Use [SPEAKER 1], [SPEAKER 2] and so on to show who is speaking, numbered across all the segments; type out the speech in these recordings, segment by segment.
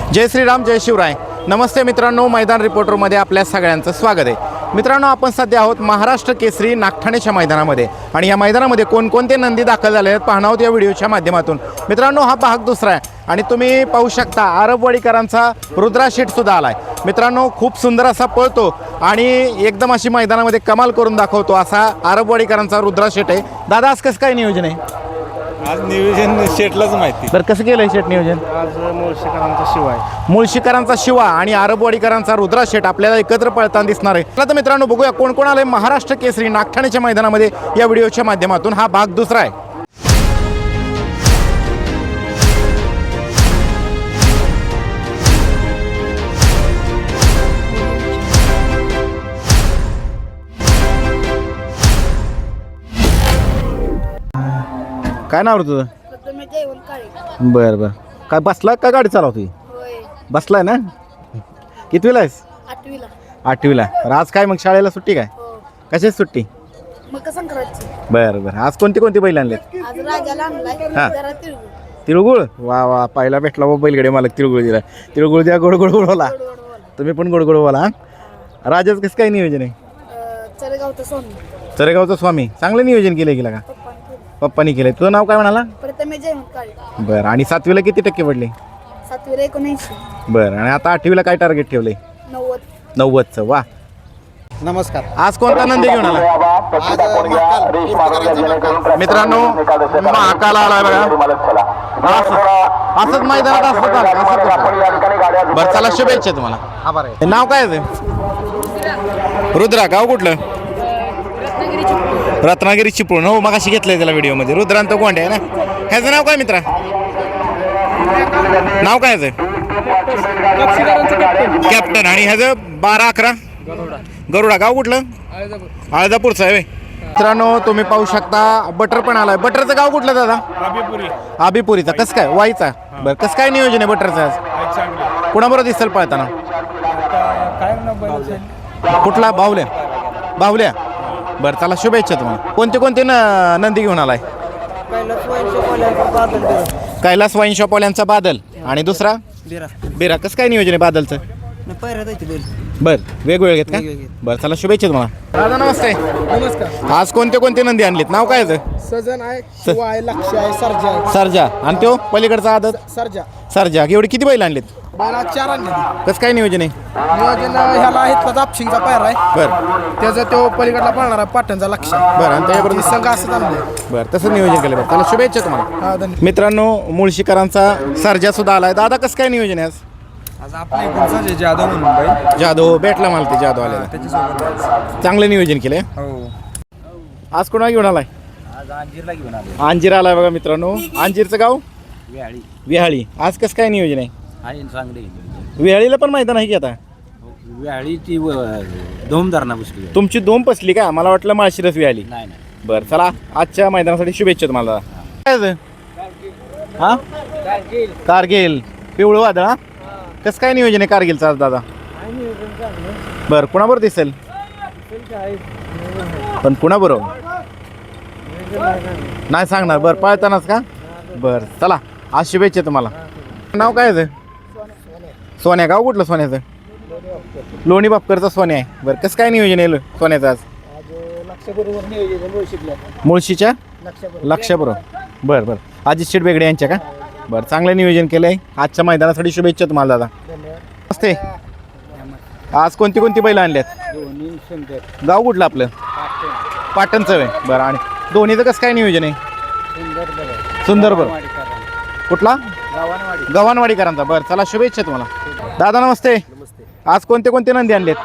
[SPEAKER 1] जय श्रीराम जय शिवराय. नमस्ते मित्रांनो, मैदान रिपोर्टरमध्ये आपल्या सगळ्यांचं स्वागत आहे. मित्रांनो, आपण सध्या आहोत महाराष्ट्र केसरी नागठाणेच्या मैदानामध्ये आणि या मैदानामध्ये कोणकोणते नंदी दाखल झाले आहेत पाहणार आहोत या व्हिडिओच्या माध्यमातून. मित्रांनो, हा भाग दुसरा आहे आणि तुम्ही पाहू शकता अरबवाडीकरांचा रुद्रा शेठसुद्धा आला आहे. मित्रांनो, खूप सुंदर असा पळतो आणि एकदम अशी मैदानामध्ये कमाल करून दाखवतो असा अरबवाडीकरांचा रुद्रा शेठ आहे. दादा, आज कसं काय नियोजन आहे?
[SPEAKER 2] आज नियोजन शेटलाच माहिती.
[SPEAKER 1] बरं, कसं केलं शेठ नियोजन?
[SPEAKER 2] आज मुळशीकरांचा शिवा आहे.
[SPEAKER 1] मुळशीकरांचा शिवा आणि अरबवाडीकरांचा रुद्रा शेठ आपल्याला एकत्र पळताना दिसणार आहे. चला तर मित्रांनो, बघूया कोण कोण आलंय महाराष्ट्र केसरी नागठाणेच्या मैदानामध्ये या व्हिडिओच्या माध्यमातून. हा भाग दुसरा आहे. काय नाव रे तुझं? बरं बरं. काय बसला का गाडी चालवतोय? बसलाय ना? कितवीला आहेस? आठवीला. तर आज काय मग शाळेला सुट्टी काय? कशाची सुट्टी? बरं बरं. आज कोणती कोणती बैल आणलेत? हां, तिळगुळ. वा वा, पहिला भेटला व बैलगडे मालक तिळगुळ दिला. तिळगुळ द्या, गोड गोड बोला. तुम्ही पण गोड गोड बोला. राजाच कसं काय नियोजन आहे? चरेगावचा स्वामी. चांगलं नियोजन केलं गेलं का? पप्पानी केलंय. तुझं नाव काय म्हणाला? बरं. आणि 7वीला किती टक्के पडले?
[SPEAKER 3] 79.
[SPEAKER 1] बरं. आणि आता 8वीला काय टार्गेट ठेवलंय? 90चं. वा.
[SPEAKER 2] नमस्कार.
[SPEAKER 1] आज कोणता नंदी घेऊन आला? मित्रांनो, महाकाल आलाय बघा. असंच मैदानात असतं. बरं, चला शुभेच्छा तुम्हाला. नाव काय आहे? रुद्रा. गाव कुठलं? रत्नागिरी चिपळूण. हो, मग अशी घेतलंय त्याला व्हिडिओमध्ये. रुद्रांत गोंडे आहे ना. ह्याचं नाव काय मित्रा? नाव काय ह्याचं? कॅप्टन. आणि ह्याचं 12-11 गरुडा. गाव कुठलं? आळदापूरचं आहे. मित्रांनो, तुम्ही पाहू शकता बटर पण आलाय. बटरचं गाव कुठलं दादा? आबिपुरीचा. कसं काय? वाईचा. बरं, कसं काय नियोजन आहे बटरचं आज? कुणाबरोबर दिसेल पळताना? कुठला? बाहुल्या. बरं, चला शुभेच्छा तुम्हाला. कोणते कोणते नंदी घेऊन आलाय? कैलास वाईन शॉपवाल्यांचा बादल आणि दुसरा बिरा. कसं काय नियोजन आहे बादलचं? बरं, वेगवेगळे घेत का? बरं, चला शुभेच्छा तुम्हाला. दादा नमस्ते.
[SPEAKER 2] नमस्कार.
[SPEAKER 1] आज कोणते कोणते नंदी आणलेत? नाव काय आहे?
[SPEAKER 2] सजन आहे, शिवा आहे, लक्ष आहे, सर्जा आहे.
[SPEAKER 1] सर्जा. आणि तो पलीकडचा आदत? सर्जा. एवढे किती बैल आणलेत?
[SPEAKER 2] 4 आणले.
[SPEAKER 1] कसं काय नियोजन आहे?
[SPEAKER 2] नियोजन ह्याला आहेत दापशिंगचा पायरा आहे.
[SPEAKER 1] बरं.
[SPEAKER 2] त्याचा तो पलीकडला पळणार आहे पाटणचा लक्ष.
[SPEAKER 1] बरं. आणि त्याच्याबरोबर
[SPEAKER 2] संघ असं आणले.
[SPEAKER 1] बरं, तसं नियोजन केलं. बरं, चला शुभेच्छा तुम्हाला.
[SPEAKER 2] हा, धन्यवाद.
[SPEAKER 1] मित्रांनो, मुळशीकरांचा सर्जा सुद्धा आलाय. दादा, कसं काय नियोजन आहे आज?
[SPEAKER 2] आज आपल्या जाधव म्हणून बाई.
[SPEAKER 1] जाधव भेटला मला. ते जाधव आलेला.
[SPEAKER 2] त्याच्यासोबत
[SPEAKER 1] चांगलं नियोजन केलंय.
[SPEAKER 2] हो.
[SPEAKER 1] आज कोणाला घेऊन आलाय?
[SPEAKER 2] आज अंजीरला घेऊन आलो.
[SPEAKER 1] अंजीर आलाय बघा मित्रांनो. अंजीरचं गाव? विहाळी. आज कसं काय नियोजन आहे?
[SPEAKER 2] चांगली
[SPEAKER 1] विहाळीला पण मैदान आहे की आता?
[SPEAKER 2] व्याळीची धोमदारणा बसली.
[SPEAKER 1] तुमची दोन पसली का? मला वाटलं माळशिरस विहाळी.
[SPEAKER 2] नाही.
[SPEAKER 1] बरं, चला आजच्या मैदानासाठी शुभेच्छा तुम्हाला. काय हा? कारगिल. पिवळं वादळ. हा, कसं काय नियोजन आहे कारगिलचं आज दादा? बरं, कुणाबरोबर दिसेल? पण कुणाबरोबर नाही सांगणार. बरं, पळतानाच का? बरं, चला आज शुभेच्छा तुम्हाला. नाव काय आहे? सोन्या. गाव कुठलं सोन्याचं? लोणी बापकरचा सोन्या आहे. बरं, कसं काय नियोजन आहे सोन्याचं आज? मुळशीच्या लक्षाबरोबर. बरं. अजित शेठ बेगडे यांच्या का? बरं, चांगलं नियोजन केलं आहे. आजच्या मैदानासाठी शुभेच्छा तुम्हाला दादा. नमस्ते. आज कोणती कोणती बैल आणल्यात? गाव कुठलं आपलं? पाटणचं आहे. बरं. आणि दोन्हीचं कसं काय नियोजन आहे? सुंदर. बरं, कुठला? गव्हाणवाडीकरांचा. बरं, चला शुभेच्छा तुम्हाला. दादा नमस्ते. आज कोणते कोणते नंदी आणलेत?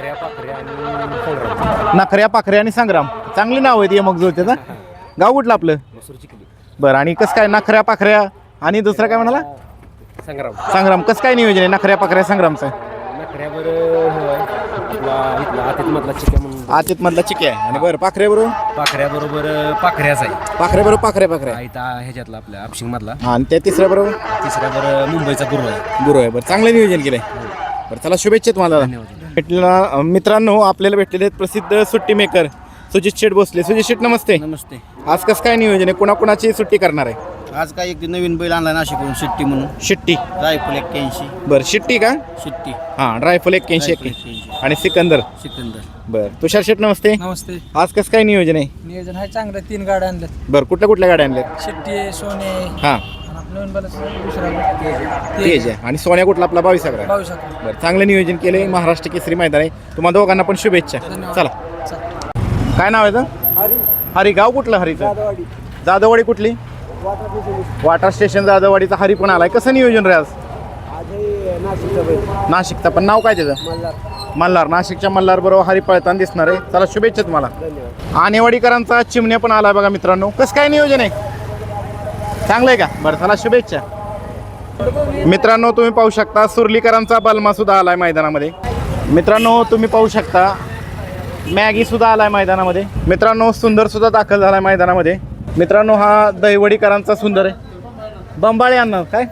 [SPEAKER 1] नखऱ्या, पाखऱ्या आणि संग्राम. चांगली नाव आहेत मग जुळते ना. गाव कुठलं आपलं? बरं. आणि कसं काय नखऱ्या, पाखऱ्या आणि दुसरा काय म्हणाला? संग्राम. कसं काय नियोजन आहे नखऱ्या, पाखऱ्या, संग्रामचं? आतित मधला चिके आहे. आणि बरं, पाखऱ्याबरोबर
[SPEAKER 2] पाखऱ्याच आहे.
[SPEAKER 1] पाखऱ्याबरोबर पाखऱ्या
[SPEAKER 2] ह्याच्यातला आपल्या आपशिंग मधला.
[SPEAKER 1] आणि त्या तिसऱ्याबरोबर
[SPEAKER 2] मुंबईचा गुरु आहे.
[SPEAKER 1] बरं, चांगलं नियोजन केलंय. बरं, चला शुभेच्छा तुम्हाला. भेटलेला मित्रांनो, आपल्याला भेटलेले आहेत प्रसिद्ध सुट्टी मेकर सुजित शेठ भोसले. सुजित शेठ नमस्ते.
[SPEAKER 2] नमस्ते.
[SPEAKER 1] आज कसं काय नियोजन आहे? कुणाकुणाची सुट्टी करणार आहे?
[SPEAKER 3] आज काय एक नवीन बैल आणला नाशिकहून शिट्टी म्हणून
[SPEAKER 1] शिट्टी
[SPEAKER 3] रायफल 81
[SPEAKER 1] बरं शिट्टी का
[SPEAKER 3] शिट्टी
[SPEAKER 1] हां रायफल 81 आणि सिकंदर
[SPEAKER 3] सिकंदर.
[SPEAKER 1] बरं तुषार शेट नमस्ते.
[SPEAKER 4] नमस्ते.
[SPEAKER 1] आज कसं काय नियोजन आहे?
[SPEAKER 4] नियोजन आहे चांगलं. 3 गाड्या आणल्यात.
[SPEAKER 1] बरं कुठल्या गाड्या आणल्यात?
[SPEAKER 4] शिट्टी आहे, सोने आहे.
[SPEAKER 1] हां
[SPEAKER 4] आणि आपलं नवीन बैल दुसरा
[SPEAKER 1] तेज आहे आणि सोन्या कुठला आपला 22 अकरा.
[SPEAKER 4] 22 अकरा.
[SPEAKER 1] बरं चांगलं नियोजन केलंय. महाराष्ट्र केसरी मैदान आहे. तुम्हाला दोघांना पण शुभेच्छा. चला काय नाव आहे तर? हरी. गाव कुठलं हरीचं? जाधववाडी. कुठली? वाटर स्टेशन जाधववाडीचा हरी पण आलाय. कसं नियोजन रे आज? नाशिकचा पण नाव काय त्याचं? मल्हार. नाशिकच्या मल्हार बरोबर हरी पळताना दिसणार आहे. चला शुभेच्छा तुम्हाला. आणेवाडीकरांचा चिमण्या पण आलाय बघा मित्रांनो. कसं काय नियोजन आहे? चांगलं आहे का? बरं चला शुभेच्छा मित्रांनो. तुम्ही पाहू शकता सुरलीकरांचा बलमा सुद्धा आलाय मैदानामध्ये. मित्रांनो तुम्ही पाहू शकता मॅगी सुद्धा आलाय मैदानामध्ये. मित्रांनो सुंदर सुद्धा दाखल झालाय मैदानामध्ये. मित्रांनो हा दहिवडीकरांचा सुंदर आहे. बंबाळे यांना काय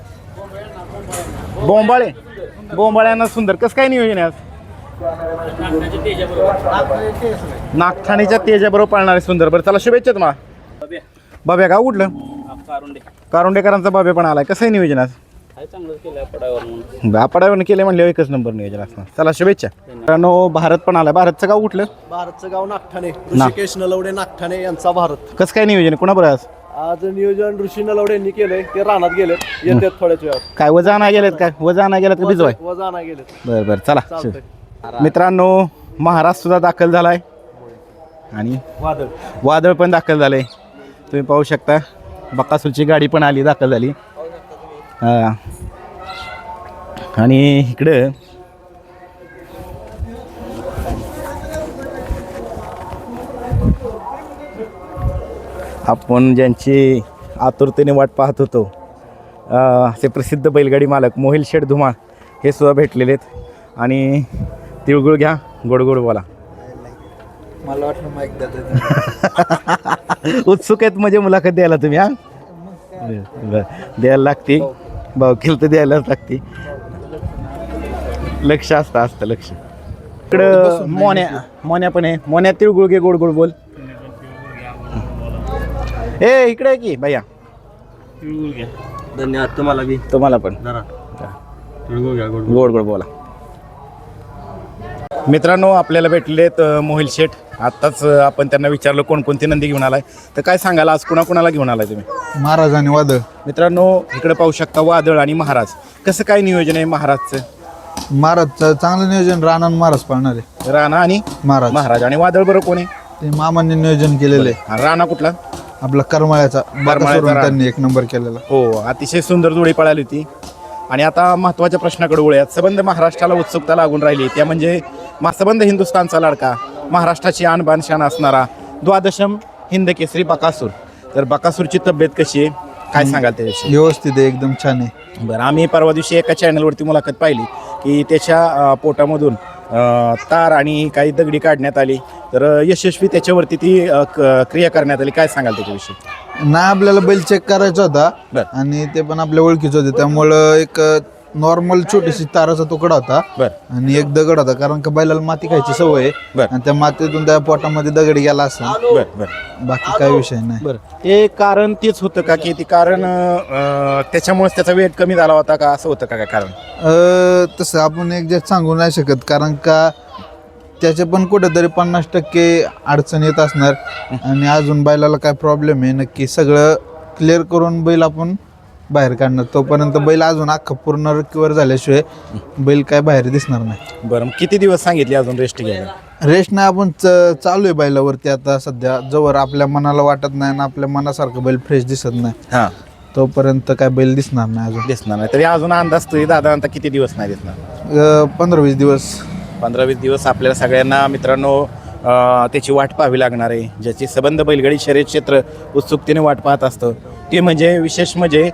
[SPEAKER 1] बोंबाळे यांना सुंदर. कसं काय नियोजन आहे आज? नागठाणीच्या तेजाबरोबर पाळणारे सुंदर. बरं चला शुभेच्छा तुम्हाला. बाब्या गाव कुठलं? कारुंडेकरांचा बाब्या पण आलाय. कसं आहे नियोजन आज? आपाडावरून केले म्हणले एकच नंबर नियोजन असणार. चला शुभेच्छा मित्रांनो. भारत पण आलाय. भारतचं गाव कुठलं?
[SPEAKER 5] भारतचं गाव नागठाणे. ऋषिकेश नलवडे नागठाणे यांचा भारत.
[SPEAKER 1] कसं काय नियोजन आहे? कुणाबरोबर आज?
[SPEAKER 5] आज नियोजन ऋषी नलवडे यांनी केलंय. ते रानात गेलेत. येतात थोड्याच वेळात.
[SPEAKER 1] काय वजा आणा गेलेत काय? वजा आणा गेलेत का भिजवाय?
[SPEAKER 5] वजा नाही गेलेत.
[SPEAKER 1] बरं बरं चला.
[SPEAKER 5] चालतंय.
[SPEAKER 1] मित्रांनो महाराज सुद्धा दाखल झालाय आणि वादळ पण दाखल झालंय. तुम्ही पाहू शकता बकासूरची गाडी पण आली दाखल झाली. आणि इकडं आपण ज्यांची आतुरतेने वाट पाहत होतो असे प्रसिद्ध बैलगाडी मालक मोहिल शेठ धुमाळ हे सुद्धा भेटलेले आहेत. आणि तिळगुळ घ्या गोड गोड बोला.
[SPEAKER 5] मला वाटलं माईक
[SPEAKER 1] उत्सुक आहेत म्हणजे मुलाखत द्यायला तुम्ही. हा द्यायला लागते भाऊ केलं तर द्यायलाच लागते. लक्ष असतं लक्ष. इकडं मोन्या पण आहे. मोन्या तिळगुळ घे गोड गोड बोल. ए इकडे आहे की भैया.
[SPEAKER 3] धन्यवाद
[SPEAKER 1] तुम्हाला पण गोड गोड बोला. मित्रांनो आपल्याला भेटले आहेत मोहिल शेठ. आत्ताच आपण त्यांना विचारलं कोणकोणती नंदी घेऊन आलाय. तर काय सांगाल आज कुणाला घेऊन आलाय तुम्ही?
[SPEAKER 6] महाराज आणि वादळ.
[SPEAKER 1] मित्रांनो इकडे पाहू शकता वादळ आणि महाराज. कसं काय नियोजन आहे महाराजचं?
[SPEAKER 6] महाराजचं चांगलं नियोजन. राणा आणि महाराज पाळणार आहे.
[SPEAKER 1] राणा आणि
[SPEAKER 6] महाराज
[SPEAKER 1] आणि वादळ बरोबर कोण आहे?
[SPEAKER 6] ते मामांनी नियोजन केलेलं आहे.
[SPEAKER 1] हा, राणा कुठला?
[SPEAKER 6] आपला करमाळ्याचा.
[SPEAKER 1] करमाळ्याचा
[SPEAKER 6] त्यांनी 1 नंबर केलेला.
[SPEAKER 1] हो अतिशय सुंदर जोडी पळाली होती. आणि आता महत्त्वाच्या प्रश्नाकडे वळूयात. सबंध महाराष्ट्राला उत्सुकता लागून राहिली त्या म्हणजे सबंध हिंदुस्थानचा लाडका महाराष्ट्राची आणबाण शान असणारा द्वादशम हिंद केसरी बकासूर. तर बकासूरची तब्येत कशी आहे काय सांगाल त्याविषयी?
[SPEAKER 6] व्यवस्थित आहे एकदम छान आहे.
[SPEAKER 1] बरं आम्ही परवा दिवशी एका चॅनलवरती मुलाखत पाहिली की त्याच्या पोटामधून तार आणि काही दगडी काढण्यात आली. तर यशस्वी त्याच्यावरती ती क्रिया करण्यात आली. काय सांगाल त्याच्याविषयी?
[SPEAKER 6] नाही आपल्याला बैल चेक करायचा होता
[SPEAKER 1] बरं.
[SPEAKER 6] आणि ते पण आपल्या ओळखीचं होते त्यामुळं एक नॉर्मल छोटीशी ताराचा तुकडा होता
[SPEAKER 1] बरं
[SPEAKER 6] आणि एक दगड होता. कारण का बैलाला माती खायची सवय आहे.
[SPEAKER 1] बरं.
[SPEAKER 6] आणि त्या मातीतून त्या पोटामध्ये दगड गेला असं.
[SPEAKER 1] बरं बरं
[SPEAKER 6] बाकी काही विषय नाही.
[SPEAKER 1] बरं ते कारण तेच होतं का की ते कारण त्याच्यामुळेच त्याचा वेट कमी झाला होता का असं होतं का काय कारण?
[SPEAKER 6] तसं आपण एक्झॅक्ट सांगू नाही शकत कारण का त्याचे पण कुठेतरी 50% अडचण येत असणार. आणि अजून बैलाला काय प्रॉब्लेम आहे नक्की सगळं क्लिअर करून बैल आपण बाहेर काढणार. तोपर्यंत बैल अजून अख्खा पूर्ण रिकवर झाल्याशिवाय बैल काय बाहेर दिसणार नाही.
[SPEAKER 1] बरं किती दिवस सांगितले अजून रेस्ट घ्यायला?
[SPEAKER 6] रेस्ट नाही आपण चालू आहे बैलावरती आता सध्या. जोवर आपल्या मनाला वाटत नाही ना आपल्या मनासारखं बैल फ्रेश दिसत नाही
[SPEAKER 1] हां
[SPEAKER 6] तोपर्यंत काय बैल दिसणार नाही. अजून
[SPEAKER 1] दिसणार नाही तरी अजून अंदाज तरी दादा किती दिवस नाही दिसणार?
[SPEAKER 6] 15-20 दिवस.
[SPEAKER 1] 15-20 दिवस आपल्याला सगळ्यांना मित्रांनो त्याची वाट पाहावी लागणार आहे. ज्याची सबंध बैलगाडी शर्यत क्षेत्र उत्सुकतेने वाट पाहत असतं ते म्हणजे विशेष म्हणजे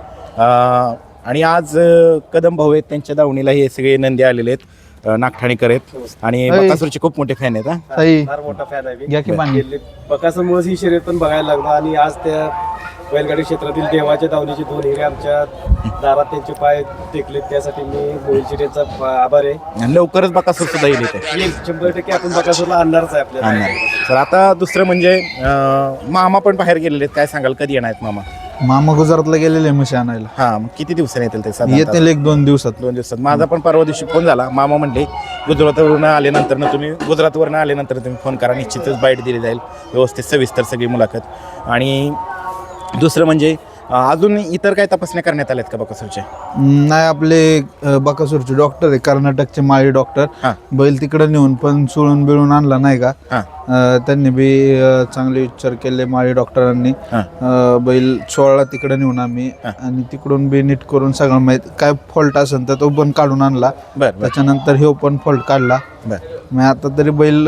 [SPEAKER 1] आणि आज कदम भाऊ आहेत त्यांच्या दावणीला हे सगळे नंदी आलेले आहेत. नागठाणेकर आहेत आणि बकासूरचे खूप मोठे फॅन आहेत.
[SPEAKER 6] ताई
[SPEAKER 5] फार मोठा फॅन आहे
[SPEAKER 6] घ्या की पाणी.
[SPEAKER 5] बकासूरमुळे ही शर्यत पण बघायला लागलो. आणि आज त्या बैलगाडी क्षेत्रातील देवाच्या दावणीचे 2 हिरे आमच्या दारात त्यांचे पाय टेकलेत. त्यासाठी मी मोहिल शेट्टींचा आभार आहे.
[SPEAKER 1] आणि लवकरच बकासूर सुद्धा येईल इथे.
[SPEAKER 5] 100% आपण बकासूरला आणणारच आहे आपल्याला.
[SPEAKER 1] तर आता दुसरं म्हणजे मामा पण बाहेर गेलेले आहेत. काय सांगाल कधी येणार आहेत मामा?
[SPEAKER 6] मामा गुजरातला गेलेले म्हशी आणायला.
[SPEAKER 1] हां, मग किती दिवसांनी येतील ते साधारणतः?
[SPEAKER 6] येतील 1-2 दिवसात.
[SPEAKER 1] 2 दिवसात. माझा पण परवा दिवशी फोन झाला. मामा म्हणले गुजरातवरून आल्यानंतर तुम्ही तुम्ही फोन करा, निश्चितच बाईट दिली जाईल, व्यवस्थित सविस्तर सगळी मुलाखत. आणि दुसरं म्हणजे अजून इतर काय तपासण्या करण्यात आल्यात का बकासूरच्या?
[SPEAKER 6] नाही, आपले बकासूरचे डॉक्टर आहे, कर्नाटकचे माळी डॉक्टर.
[SPEAKER 1] हां.
[SPEAKER 6] बैल तिकडे नेऊन पण चुळून बिळून आणला नाही का.
[SPEAKER 1] हां.
[SPEAKER 6] त्यांनी बी चांगले विचार केले माळी डॉक्टरांनी. बैल चोळला तिकडे नेऊन आम्ही, आणि तिकडून बी नीट करून सगळं माहीत काय फॉल्ट असेल तर तो पण काढून आणला.
[SPEAKER 1] बरं.
[SPEAKER 6] त्याच्यानंतर हे पण फॉल्ट काढला. मग आता तरी बैल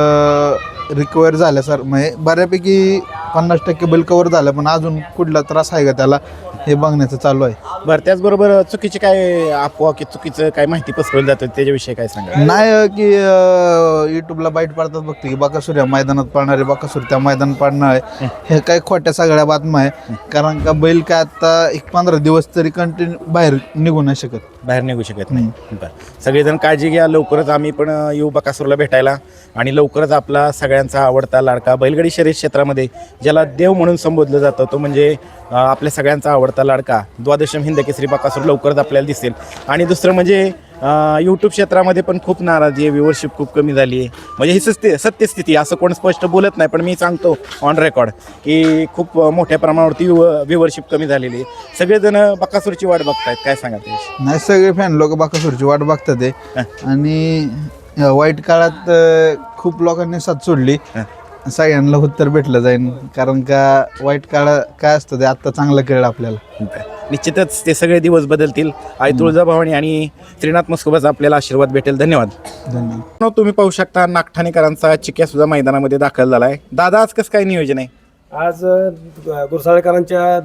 [SPEAKER 6] रिकवर झाल्या सर, म्हणजे बऱ्यापैकी 50% बैल कव्हर झाला, पण अजून कुठला त्रास आहे का त्याला हे बघण्याचं चालू आहे.
[SPEAKER 1] बरं, त्याचबरोबर चुकीची काय अफवा की चुकीचं काय माहिती पसरवली जाते त्याच्याविषयी काय सांगा?
[SPEAKER 6] नाही की युट्यूबला बाईट पाडतात बघते की बकासूर या मैदानात पाळणारे, बकासूर त्या मैदानात पाळणार आहे, हे काय खोट्या सगळ्या बातम्या आहे. कारण का बैल काय आता 15 दिवस तरी कंटिन्यू बाहेर निघू नाही शकत
[SPEAKER 1] नाही. बरं, सगळेजण काळजी घ्या. लवकरच आम्ही पण येऊ बकासूरला भेटायला, आणि लवकरच आपला सगळ्यांचा आवडता लाडका बैलगाडी शर्यत क्षेत्रामध्ये ज्याला देव म्हणून संबोधलं जातं, तो म्हणजे आपल्या सगळ्यांचा आवडता लाडका द्वादशम हिंद केसरी बकासूर लवकरच आपल्याला दिसेल. आणि दुसरं म्हणजे यूट्यूब क्षेत्रामध्ये पण खूप नाराजी आहे, व्ह्यूवरशिप खूप कमी झाली आहे. म्हणजे ही सत्यस्थिती, असं कोण स्पष्ट बोलत नाही, पण मी सांगतो ऑन रेकॉर्ड की खूप मोठ्या प्रमाणावरती व्ह्यूवरशिप कमी झालेली आहे. सगळेजण बकासूरची वाट बघतायत. काय सांगा ते?
[SPEAKER 6] नाही, सगळे फॅन लोक बकासूरची वाट बघतात आहे. आणि वाईट काळात खूप लोकांनी साथ सोडली, सगळ्यांना उत्तर भेटलं जाईल. कारण का वाईट काळ काय असतं ते आत्ता चांगलं कळलं आपल्याला.
[SPEAKER 1] निश्चितच ते सगळे दिवस बदलतील. आई तुळजाभवानी आणि श्रीनाथ मस्कोबाचा आपल्याला आशीर्वाद भेटेल. धन्यवाद. तुम्ही पाहू शकता नागठाणेकरांचा चिक्या सुद्धा मैदानामध्ये दाखल झाला आहे. दादा, आज कसं काय नियोजन आहे?
[SPEAKER 5] आज गुरसाळेकरांच्या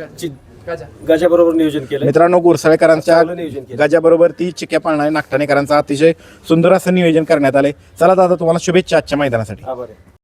[SPEAKER 5] गजाबरोबर नियोजन केलं.
[SPEAKER 1] मित्रांनो, गुरसाळेकरांच्या
[SPEAKER 5] चांगलं नियोजन केलं.
[SPEAKER 1] गजाबरोबर ती चिक्या पाळणारे नागठाणेकरांचा अतिशय सुंदर असं नियोजन करण्यात आले. चला दादा, तुम्हाला शुभेच्छा आजच्या मैदानासाठी.
[SPEAKER 5] आभार आहे.